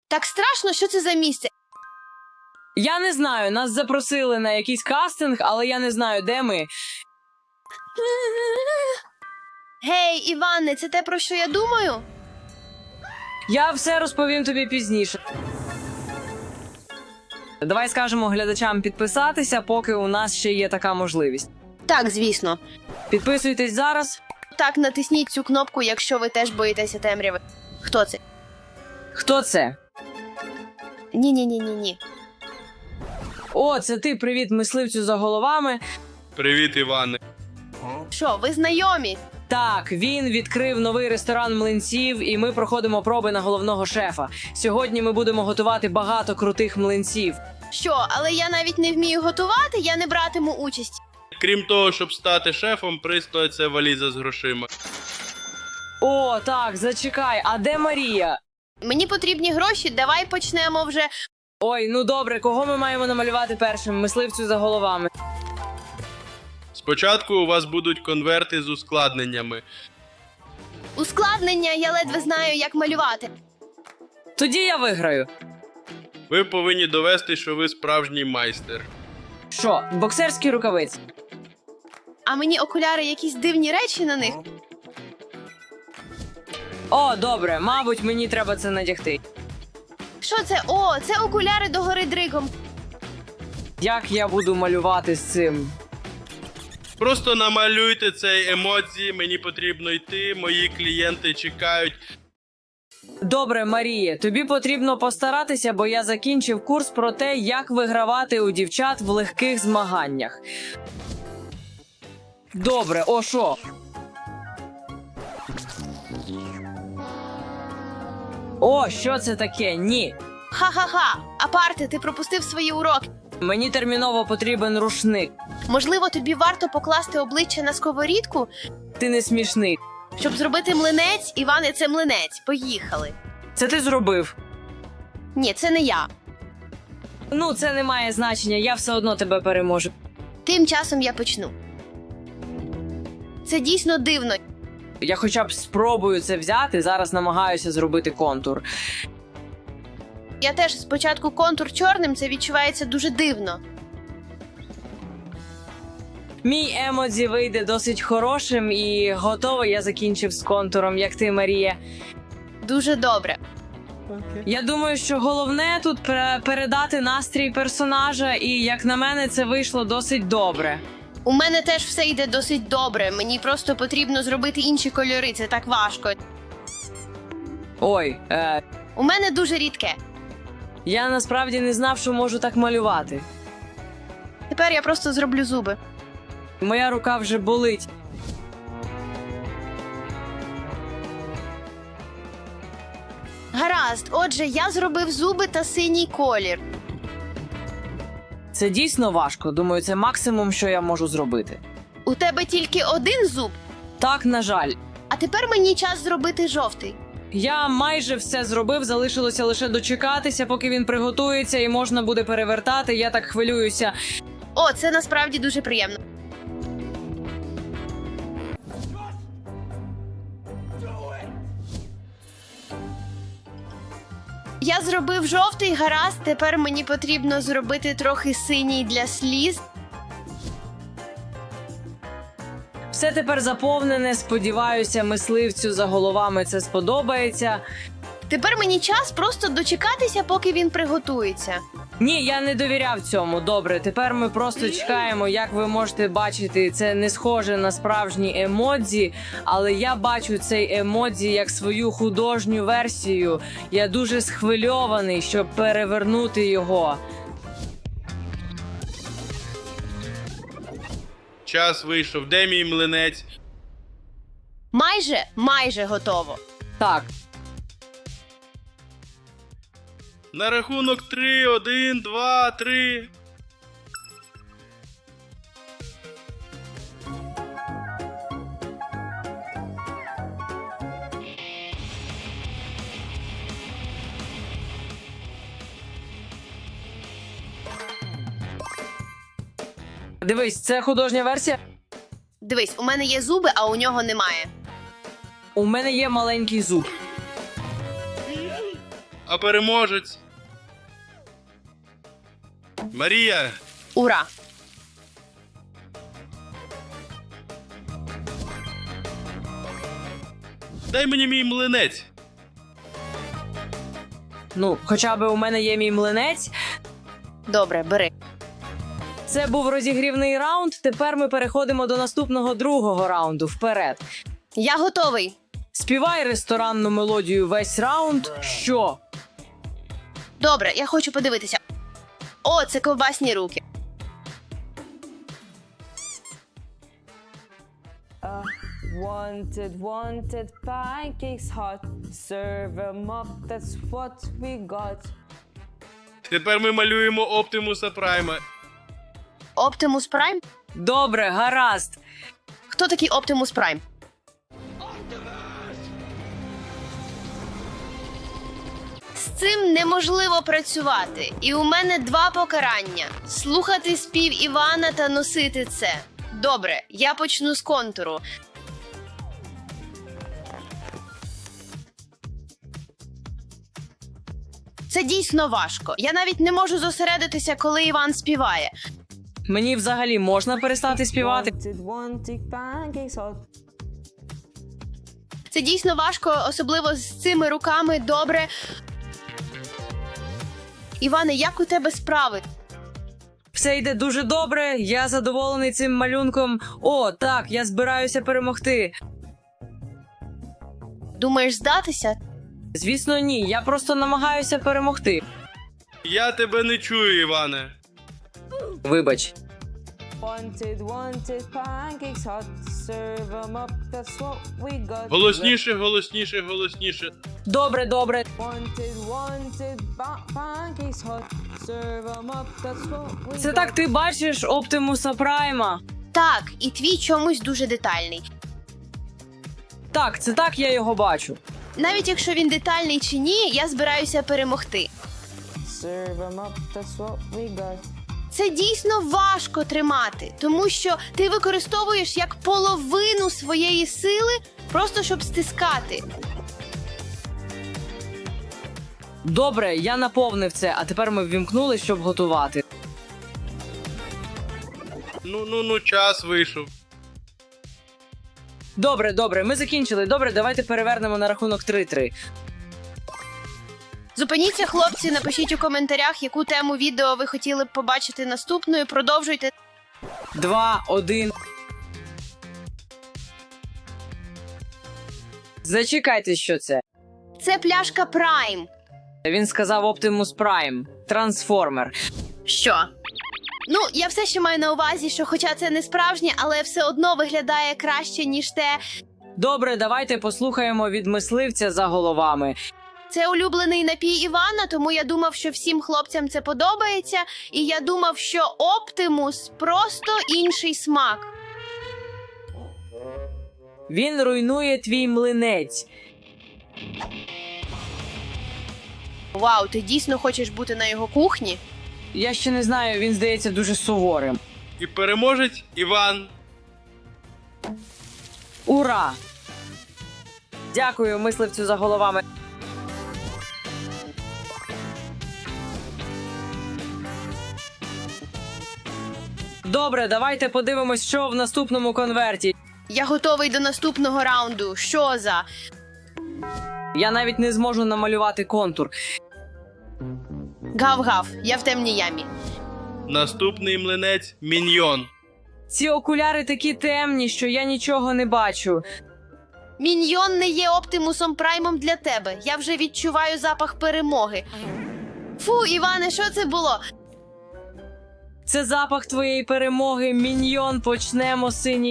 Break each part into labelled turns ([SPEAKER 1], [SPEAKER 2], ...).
[SPEAKER 1] Так страшно, що це за місце.
[SPEAKER 2] Я не знаю, нас запросили на якийсь кастинг, але я не знаю, де ми.
[SPEAKER 1] Гей, Іване, це те, про що я думаю?
[SPEAKER 2] Я все розповім тобі пізніше. Давай скажемо глядачам підписатися, поки у нас ще є така можливість.
[SPEAKER 1] Так, звісно.
[SPEAKER 2] Підписуйтесь зараз.
[SPEAKER 1] Так, натисніть цю кнопку, якщо ви теж боїтеся темряви. Хто це?
[SPEAKER 2] Хто це?
[SPEAKER 1] Ні.
[SPEAKER 2] О, це ти, привіт, мисливцю за головами.
[SPEAKER 3] Привіт, Іване.
[SPEAKER 1] Що, ви знайомі?
[SPEAKER 2] Так, він відкрив новий ресторан млинців, і ми проходимо проби на головного шефа. Сьогодні ми будемо готувати багато крутих млинців.
[SPEAKER 1] Що, але я навіть не вмію готувати, я не братиму участь.
[SPEAKER 3] Крім того, щоб стати шефом, пристоїть це валіза з грошима.
[SPEAKER 2] О, так, зачекай, а де Марія?
[SPEAKER 1] Мені потрібні гроші, давай почнемо вже.
[SPEAKER 2] Ой, ну добре, кого ми маємо намалювати першим? Мисливцю за головами.
[SPEAKER 3] Спочатку у вас будуть конверти з ускладненнями.
[SPEAKER 1] Ускладнення, я ледве знаю, як малювати.
[SPEAKER 2] Тоді я виграю.
[SPEAKER 3] Ви повинні довести, що ви справжній майстер.
[SPEAKER 2] Що, боксерські рукавиці?
[SPEAKER 1] А мені окуляри якісь дивні речі на них.
[SPEAKER 2] О, добре, мабуть, мені треба це надягти.
[SPEAKER 1] Що це? О, це окуляри до гори дригом.
[SPEAKER 2] Як я буду малювати з цим?
[SPEAKER 3] Просто намалюйте цей емодзі, мені потрібно йти, мої клієнти чекають.
[SPEAKER 2] Добре, Марія, тобі потрібно постаратися, бо я закінчив курс про те, як вигравати у дівчат в легких змаганнях. Добре, о що? О, що це таке? Ні.
[SPEAKER 1] Ха-ха-ха. Апарте, ти пропустив свої уроки.
[SPEAKER 2] Мені терміново потрібен рушник.
[SPEAKER 1] Можливо, тобі варто покласти обличчя на сковорідку,
[SPEAKER 2] Ти не смішний.
[SPEAKER 1] щоб зробити млинець. Іване, це млинець. Поїхали.
[SPEAKER 2] Це ти зробив.
[SPEAKER 1] Ні, це не я.
[SPEAKER 2] Ну, це не має значення, я все одно тебе переможу.
[SPEAKER 1] Тим часом я почну. Це дійсно дивно.
[SPEAKER 2] Я хоча б спробую це взяти, зараз намагаюся зробити контур.
[SPEAKER 1] Я теж спочатку контур чорним, це відчувається дуже дивно.
[SPEAKER 2] Мій емодзі вийде досить хорошим і готовий, я закінчив з контуром, як ти, Марія.
[SPEAKER 1] Дуже добре.
[SPEAKER 2] Я думаю, що головне тут передати настрій персонажа, і, як на мене, це вийшло досить добре.
[SPEAKER 1] У мене теж все йде досить добре. Мені просто потрібно зробити інші кольори, це так важко.
[SPEAKER 2] Ой,
[SPEAKER 1] У мене дуже рідке.
[SPEAKER 2] я насправді не знав, що можу так малювати.
[SPEAKER 1] Тепер я просто зроблю зуби.
[SPEAKER 2] Моя рука вже болить.
[SPEAKER 1] Гаразд, отже, я зробив зуби та синій колір.
[SPEAKER 2] Це дійсно важко, думаю, це максимум, що я можу зробити.
[SPEAKER 1] У тебе тільки один зуб,
[SPEAKER 2] Так, на жаль.
[SPEAKER 1] а тепер мені час зробити жовтий.
[SPEAKER 2] Я майже все зробив, залишилося лише дочекатися, поки він приготується і можна буде перевертати. Я так хвилююся.
[SPEAKER 1] О, це насправді дуже приємно. Я зробив жовтий, гаразд, тепер мені потрібно зробити трохи синій для сліз.
[SPEAKER 2] Все тепер заповнене, сподіваюся, мисливцю за головами це сподобається.
[SPEAKER 1] Тепер мені час просто дочекатися, поки він приготується.
[SPEAKER 2] Ні, я не довіряв цьому. Добре, тепер ми просто чекаємо. Як ви можете бачити, це не схоже на справжні емодзі, але я бачу цей емодзі як свою художню версію. Я дуже схвильований, щоб перевернути його.
[SPEAKER 3] Час вийшов. Де мій млинець?
[SPEAKER 1] Майже готово.
[SPEAKER 2] Так,
[SPEAKER 3] На рахунок 3, 1, 2, 3.
[SPEAKER 2] дивись, це художня версія.
[SPEAKER 1] Дивись, у мене є зуби, а у нього немає.
[SPEAKER 2] У мене є маленький зуб.
[SPEAKER 3] А переможець? Марія,
[SPEAKER 1] Ура!
[SPEAKER 3] дай мені мій млинець.
[SPEAKER 2] Ну, хоча б у мене є мій млинець.
[SPEAKER 1] Добре, бери.
[SPEAKER 2] Це був розігрівний раунд. Тепер ми переходимо до наступного другого раунду. Вперед.
[SPEAKER 1] Я готовий.
[SPEAKER 2] Співай ресторанну мелодію весь раунд. Що?
[SPEAKER 1] Добре, я хочу подивитися. О, це ковбасні руки.
[SPEAKER 4] Wanted pancakes hot. Serve 'em up, that's what we got.
[SPEAKER 3] Тепер ми малюємо Оптимуса Прайма.
[SPEAKER 1] Оптимус Прайм?
[SPEAKER 2] Добре, гаразд.
[SPEAKER 1] Хто такий Оптимус Прайм? З цим неможливо працювати. І у мене 2 покарання: слухати спів Івана та носити це. Добре, я почну з контуру. Це дійсно важко. Я навіть не можу зосередитися, коли Іван співає.
[SPEAKER 2] Мені взагалі можна перестати співати?
[SPEAKER 4] Wanted pancakes hot.
[SPEAKER 1] Це дійсно важко, особливо з цими руками. Добре. Іване, як у тебе справи?
[SPEAKER 2] Все йде дуже добре, я задоволений цим малюнком. О, так, я збираюся перемогти.
[SPEAKER 1] Думаєш здатися?
[SPEAKER 2] Звісно, ні, я просто намагаюся перемогти.
[SPEAKER 3] Я тебе не чую, Іване.
[SPEAKER 2] Вибач.
[SPEAKER 4] Wanted pancakes hot. Serve 'em up, that's what we got.
[SPEAKER 3] Голосніше, голосніше, голосніше.
[SPEAKER 2] Добре, добре.
[SPEAKER 4] Wanted pancakes hot. Serve 'em up, that's what we
[SPEAKER 2] Це
[SPEAKER 4] got.
[SPEAKER 2] так ти бачиш Оптимуса Прайма?
[SPEAKER 1] Так, і твій чомусь дуже детальний.
[SPEAKER 2] Так, це так я його бачу.
[SPEAKER 1] Навіть якщо він детальний чи ні, я збираюся перемогти.
[SPEAKER 4] Serve 'em up, that's what we got.
[SPEAKER 1] Це дійсно важко тримати, тому що ти використовуєш як половину своєї сили, просто щоб стискати.
[SPEAKER 2] Добре, я наповнив це, а тепер ми ввімкнули, щоб готувати.
[SPEAKER 3] Ну, час вийшов.
[SPEAKER 2] Добре, добре, ми закінчили. Добре, давайте перевернемо на рахунок 3-3.
[SPEAKER 1] Зупиніться, хлопці, напишіть у коментарях, яку тему відео ви хотіли б побачити наступною. Продовжуйте.
[SPEAKER 2] 2-1. Зачекайте, що це.
[SPEAKER 1] Це пляшка Prime.
[SPEAKER 2] Він сказав Оптимус Прайм. Трансформер.
[SPEAKER 1] Що? Ну, я все ще маю на увазі, що хоча це не справжнє, але все одно виглядає краще, ніж те.
[SPEAKER 2] Добре, давайте послухаємо від мисливця за головами.
[SPEAKER 1] Це улюблений напій Івана, тому я думав, що всім хлопцям це подобається. І я думав, що Оптимус просто інший смак.
[SPEAKER 2] Він руйнує твій млинець.
[SPEAKER 1] Вау, ти дійсно хочеш бути на його кухні?
[SPEAKER 2] Я ще не знаю, він здається дуже суворим.
[SPEAKER 3] І переможець Іван.
[SPEAKER 2] Ура! Дякую мисливцю за головами. Добре, давайте подивимось, що в наступному конверті.
[SPEAKER 1] Я готовий до наступного раунду. Що за?
[SPEAKER 2] Я навіть не зможу намалювати контур.
[SPEAKER 1] Гав-гав, я в темній ямі.
[SPEAKER 3] Наступний млинець Міньйон.
[SPEAKER 2] Ці окуляри такі темні, що я нічого не бачу.
[SPEAKER 1] Міньйон не є Оптимусом Праймом для тебе. Я вже відчуваю запах перемоги. Фу, Іване, що це було?
[SPEAKER 2] Це запах твоєї перемоги, Міньйон, почнемо синій.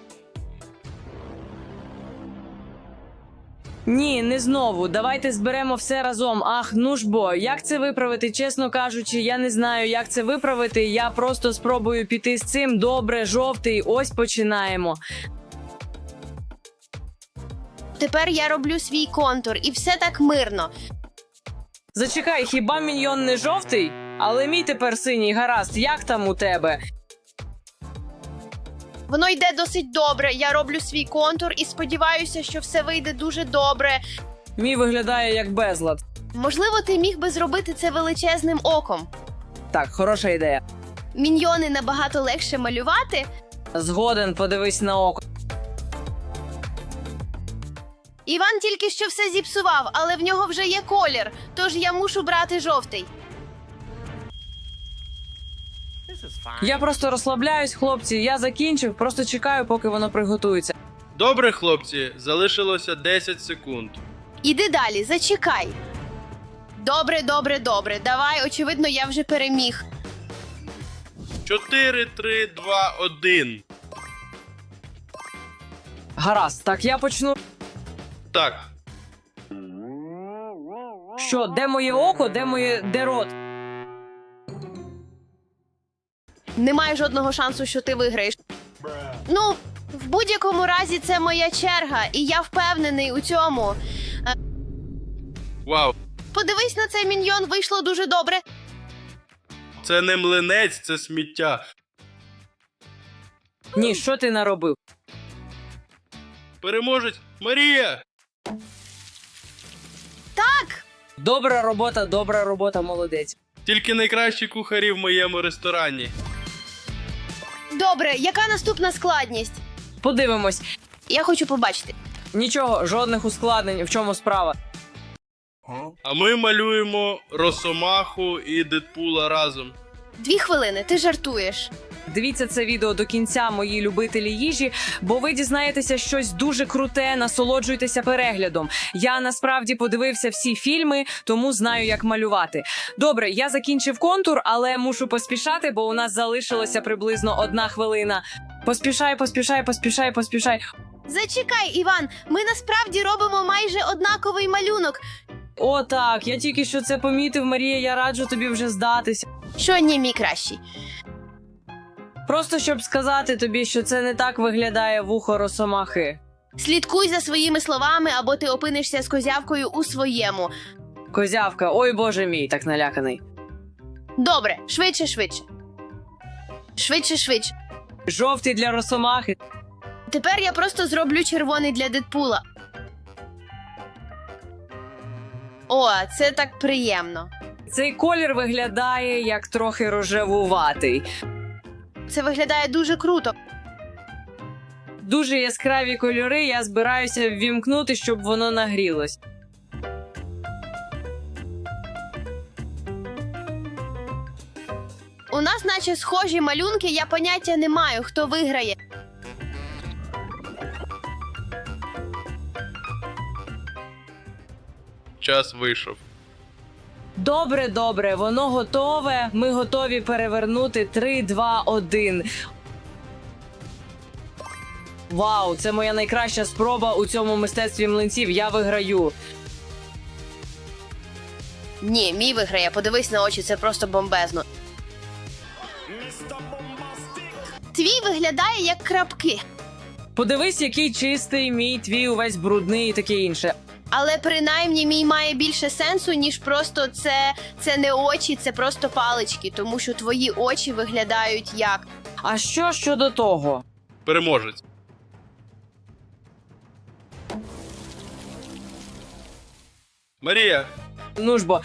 [SPEAKER 2] Ні, не знову. Давайте зберемо все разом. Ах, ну ж бо, як це виправити? Чесно кажучи, я не знаю, як це виправити. Я просто спробую піти з цим. Добре, жовтий, ось починаємо.
[SPEAKER 1] Тепер я роблю свій контур, і все так мирно.
[SPEAKER 2] Зачекай, хіба Міньйон не жовтий? Але мій тепер синій, гаразд, як там у тебе?
[SPEAKER 1] Воно йде досить добре. Я роблю свій контур і сподіваюся, що все вийде дуже добре.
[SPEAKER 2] Мій виглядає як безлад.
[SPEAKER 1] Можливо, ти міг би зробити це величезним оком.
[SPEAKER 2] Так, хороша ідея.
[SPEAKER 1] Міньйони набагато легше малювати.
[SPEAKER 2] Згоден, подивись на око.
[SPEAKER 1] Іван тільки що все зіпсував, але в нього вже є колір, тож я мушу брати жовтий.
[SPEAKER 2] Я просто розслабляюсь, хлопці, я закінчив, просто чекаю, поки воно приготується.
[SPEAKER 3] Добре, хлопці, залишилося 10 секунд.
[SPEAKER 1] Іди далі, зачекай. Добре, добре, добре. Давай, очевидно, я вже переміг.
[SPEAKER 3] 4, 3, 2, 1.
[SPEAKER 2] Гаразд, так, я почну.
[SPEAKER 3] Так,
[SPEAKER 2] Що, де моє око, де рот?
[SPEAKER 1] Немає жодного шансу, що ти виграєш. Ну, в будь-якому разі це моя черга, і я впевнений у цьому.
[SPEAKER 3] вау.
[SPEAKER 1] Подивись на цей міньйон, вийшло дуже добре.
[SPEAKER 3] Це не млинець, це сміття.
[SPEAKER 2] Ні, що ти наробив?
[SPEAKER 3] Переможець Марія!
[SPEAKER 1] Так!
[SPEAKER 2] Добра робота, молодець.
[SPEAKER 3] Тільки найкращі кухарі в моєму ресторані.
[SPEAKER 1] Добре, яка наступна складність?
[SPEAKER 2] Подивимось.
[SPEAKER 1] Я хочу побачити.
[SPEAKER 2] Нічого, жодних ускладнень, в чому справа.
[SPEAKER 3] А ми малюємо Росомаху і Дедпула разом.
[SPEAKER 1] 2 хвилини, ти жартуєш.
[SPEAKER 2] Дивіться це відео до кінця, мої любителі їжі, бо ви дізнаєтеся щось дуже круте, насолоджуйтеся переглядом. Я насправді подивився всі фільми, тому знаю, як малювати. Добре, я закінчив контур, але мушу поспішати, бо у нас залишилося приблизно 1 хвилина. Поспішай.
[SPEAKER 1] Зачекай, Іван, ми насправді робимо майже однаковий малюнок.
[SPEAKER 2] О, так, я тільки що це помітив, Марія, я раджу тобі вже здатися.
[SPEAKER 1] Що ні, мій кращий.
[SPEAKER 2] Просто щоб сказати тобі, що це не так виглядає вухо Росомахи.
[SPEAKER 1] Слідкуй за своїми словами, або ти опинишся з козявкою у своєму.
[SPEAKER 2] Козявка, ой боже мій, так наляканий.
[SPEAKER 1] Добре, швидше. Швидше.
[SPEAKER 2] Жовтий для Росомахи.
[SPEAKER 1] Тепер я просто зроблю червоний для Дедпула. О, це так приємно.
[SPEAKER 2] Цей колір виглядає як трохи рожевуватий.
[SPEAKER 1] Це виглядає дуже круто.
[SPEAKER 2] Дуже яскраві кольори, я збираюся ввімкнути, щоб воно нагрілось.
[SPEAKER 1] У нас наче схожі малюнки, я поняття не маю, хто виграє.
[SPEAKER 3] Час вийшов.
[SPEAKER 2] Добре, воно готове. Ми готові перевернути 3, 2, 1. Вау, це моя найкраща спроба у цьому мистецтві млинців. Я виграю.
[SPEAKER 1] Ні, мій виграє, подивись на очі, це просто бомбезно. Твій виглядає як крапки.
[SPEAKER 2] Подивись, який чистий, мій, твій увесь брудний і таке інше.
[SPEAKER 1] Але принаймні мій має більше сенсу, ніж просто це не очі, це просто палички, тому що твої очі виглядають як.
[SPEAKER 2] А що щодо того?
[SPEAKER 3] Переможець. Марія,
[SPEAKER 2] Ну ж бо.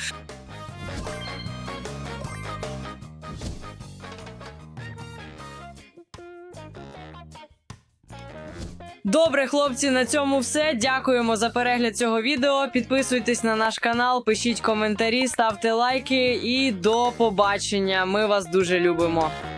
[SPEAKER 2] Добре, хлопці, на цьому все. Дякуємо за перегляд цього відео. Підписуйтесь на наш канал, пишіть коментарі, ставте лайки і до побачення. Ми вас дуже любимо.